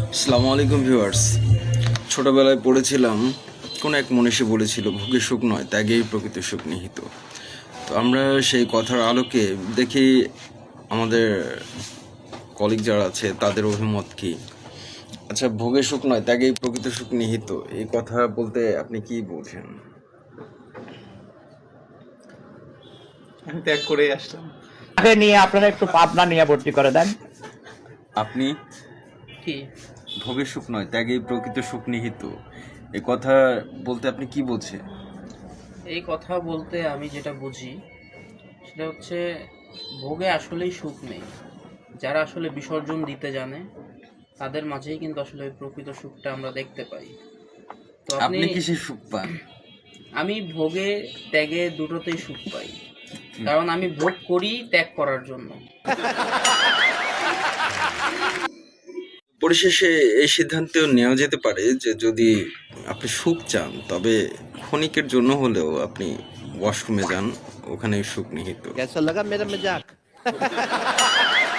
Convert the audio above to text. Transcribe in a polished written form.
আসসালামু আলাইকুম ভিউয়ার্স। ছোটবেলায় পড়েছিলাম, কোন এক মনীষী বলেছিল, ভোগে সুখ নয় ত্যাগেই প্রকৃত সুখ নিহিত। তো আমরা সেই কথার আলোকে দেখি আমাদের কলিগ যারা আছে তাদের অভিমত কি। আচ্ছা, ভোগে সুখ নয় ত্যাগেই প্রকৃত সুখ নিহিত, এই কথা বলতে আপনি কি বলছেন? আমি ত্যাগ করেই আসলাম। তাকে নিয়ে আপনারা একটু পাবনা নিয়ে ভর্তি করে দেন। আপনি কি ভোগে সুখ নয় ত্যাগেই প্রকৃত সুখ নিহিত, এই কথা বলতে আপনি কি বলছেন? এই কথা বলতে আমি যেটা বুঝি সেটা হচ্ছে ভোগে আসলেই সুখ নেই। যারা আসলে বিসর্জন দিতে জানে তাদের মাঝেই কিন্তু আসলে ওই প্রকৃত সুখটা আমরা দেখতে পাই। তো আপনি কি সেই সুখ পান? আমি ভোগে ত্যাগে দুটোতেই সুখ পাই, কারণ আমি ভোগ করি ত্যাগ করার জন্য। পরিশেষে এই সিদ্ধান্তেও নেওয়া যেতে পারে যে যদি আপনি সুখ চান তবে ক্ষণিকের জন্য হলেও আপনি ওয়াশরুমে যান, ওখানে সুখ নিহিত। कैसा लगा मेरा मजाक?